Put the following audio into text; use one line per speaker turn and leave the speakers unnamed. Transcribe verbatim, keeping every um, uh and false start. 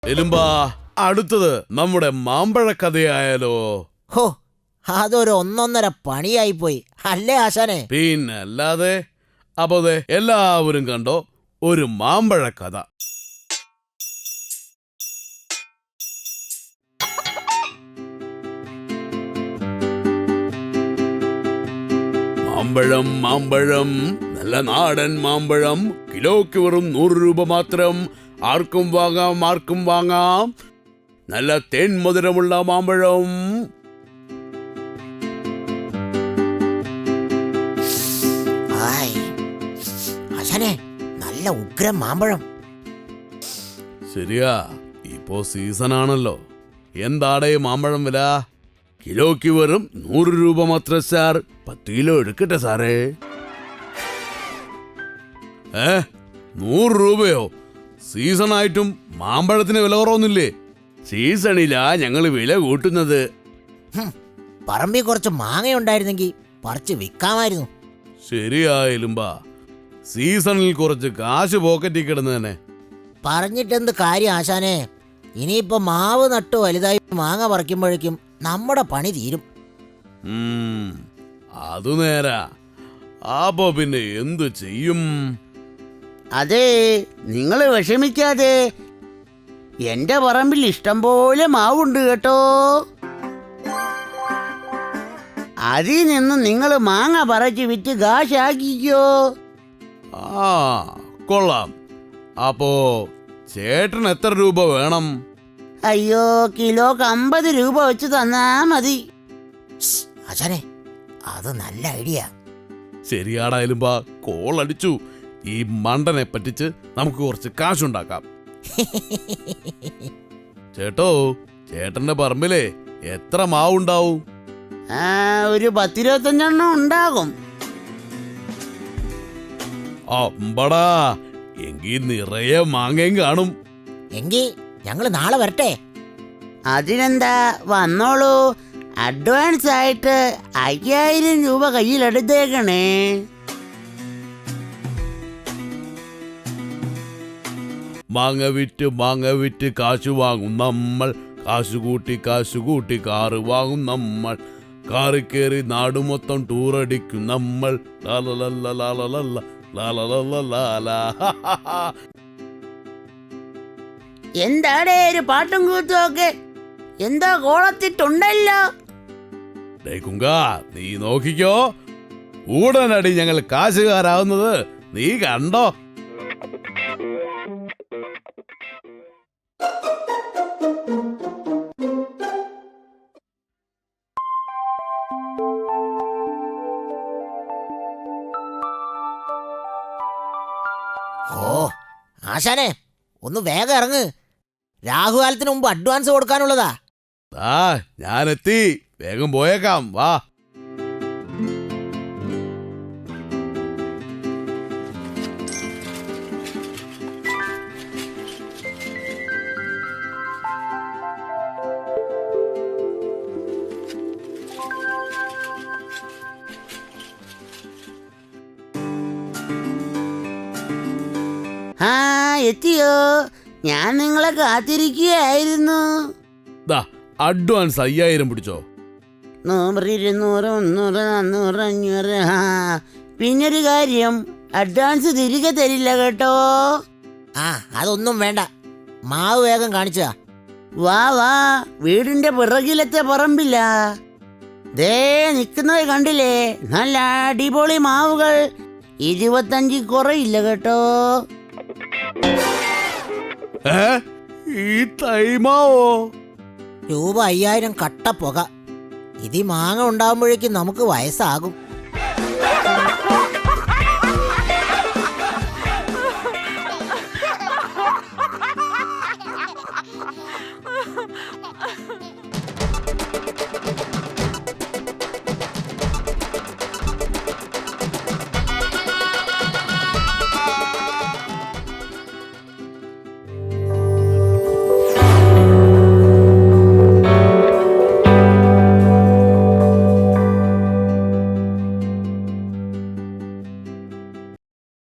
എലുമ്പാ, അടുത്തത് നമ്മുടെ മാമ്പഴ കഥയായാലോ?
ഹോ, അതൊരു ഒന്നൊന്നര പണിയായി പോയി അല്ലേ ആശാനെ?
പിന്നല്ലാതെ. അപ്പൊ ദേ എല്ലാവരും കണ്ടോ ഒരു മാമ്പഴ കഥ. മാമ്പഴം മാമ്പഴം നല്ല നാടൻ മാമ്പഴം, കിലോയ്ക്ക് വെറും നൂറ് രൂപ മാത്രം. ആർക്കും വാങ്ങാം ആർക്കും വാങ്ങാം, നല്ല തേൻ മധുരമുള്ള മാമ്പഴം.
ആശാനെ, നല്ല ഉഗ്രം മാമ്പഴം.
ശരിയാ, ഇപ്പോ സീസൺ ആണല്ലോ. എന്താടേ മാമ്പഴം വില? കിലോയ്ക്ക് വെറും നൂറ് രൂപ മാത്രം സാർ. പത്ത് കിലോ എടുക്കട്ടെ സാറേ. ഏ നൂറ് രൂപയോ? സീസൺ ആയിട്ടും മാമ്പഴത്തിന് വില കുറവൊന്നുമില്ലേ? സീസണിലാ ഞങ്ങൾ വില കൂട്ടുന്നത്.
പറമ്പിൽ കുറച്ച് മാങ്ങയുണ്ടായിരുന്നെങ്കിൽ പറിച്ച് വിൽക്കാമായിരുന്നു.
ശരിയായാലുംബാ, സീസണിൽ കുറച്ച് കാശ് പോക്കറ്റിൽ കിടന്ന് തന്നെ.
പറഞ്ഞിട്ടെന്ത് കാര്യം ആശാനെ? ഇനിയിപ്പോ മാവ് നട്ടു വലുതായി മാങ്ങ പറിക്കുമ്പോഴേക്കും നമ്മുടെ പണി തീരും.
അതു നേരാ. അപ്പോ പിന്നെ എന്തു ചെയ്യും?
അതെ, നിങ്ങൾ വിഷമിക്കാതെ. എന്റെ പറമ്പിൽ ഇഷ്ടം പോലെ മാവുണ്ട് കേട്ടോ. അതിൽ നിന്ന് നിങ്ങൾ മാങ്ങ പറിച്ച് വിറ്റ് കാശാക്കിക്കോ.
ആ കൊള്ളാം. അപ്പോ ചേട്ടൻ എത്ര രൂപ വേണം?
അയ്യോ, കിലോക്ക് അമ്പത് രൂപ വെച്ച് തന്നാ മതി.
ആശാനെ, അത് നല്ല ഐഡിയ.
ശരിയാടായാലും ബാ, കോൾ അടിച്ചു. ഈ മണ്ടനെ പറ്റിച്ച് നമുക്ക് കുറച്ച് കാശുണ്ടാക്കാം. ചേട്ടോ, ചേട്ടന്റെ പറമ്പിലെ എത്ര മാവുണ്ടാവും?
ആ, ഒരു പത്തിരുപത്തഞ്ചെണ്ണം ഉണ്ടാകും.
അമ്പടാ, എങ്കി നിറയെ മാങ്ങയും കാണും.
എങ്കി ഞങ്ങള് നാളെ വരട്ടെ.
അതിനെന്താ, വന്നോളൂ. അഡ്വാൻസ് ആയിട്ട് അയ്യായിരം രൂപ കയ്യിലെടുത്തേക്കണേ.
മാങ്ങ വിറ്റ് മാങ്ങ വിറ്റ് കാശ് വാങ്ങും നമ്മൾ. കാശ് കൂട്ടി കാശ് കൂട്ടി കാറ് വാങ്ങും നമ്മൾ. കാറി കയറി നാട് മൊത്തം ടൂറടിക്കും നമ്മൾ.
എന്താടേ ഒരു പാട്ടും കൂത്തും ഒക്കെ? എന്താ കോളത്തിട്ടുണ്ടല്ലോ.
കുങ്കാ, നീ നോക്കിക്കോ, ഉടനടി ഞങ്ങൾ കാശുകാരാവുന്നത് നീ കണ്ടോ?
ഓ ആശാനെ, ഒന്ന് വേഗം ഇറങ്ങ്. രാഹുകാലത്തിന് മുമ്പ് അഡ്വാൻസ് കൊടുക്കാനുള്ളതാ.
ആ ഞാനെത്തി, വേഗം പോയേക്കാം. വാ.
ആ, എത്തിയോ? ഞാൻ നിങ്ങളെ കാത്തിരിക്കുകയായിരുന്നു.
അഡ്വാൻസ് അയ്യായിരം പിടിച്ചോ.
നൂറ്, ഇരുന്നൂറ്, മുന്നൂറ്, നാന്നൂറ്, അഞ്ഞൂറ്. ആ, പിന്നൊരു കാര്യം, അഡ്വാൻസ് തിരികെ തരില്ല കേട്ടോ.
ആ, അതൊന്നും വേണ്ട. മാവ് വേഗം കാണിച്ചാ.
വാ വാ, വീടിന്റെ പിറകിലത്തെ പറമ്പില്ല. ദേ നിൽക്കുന്നത് കണ്ടില്ലേ? നല്ല അടിപൊളി മാവുകൾ. ഇരുപത്തഞ്ച് കുറയില്ല കേട്ടോ.
ഈ തൈമാവോ?
രൂപ അയ്യായിരം കട്ട പുക. ഇതി മാങ്ങ ഉണ്ടാവുമ്പോഴേക്കും നമുക്ക് വയസ്സാകും.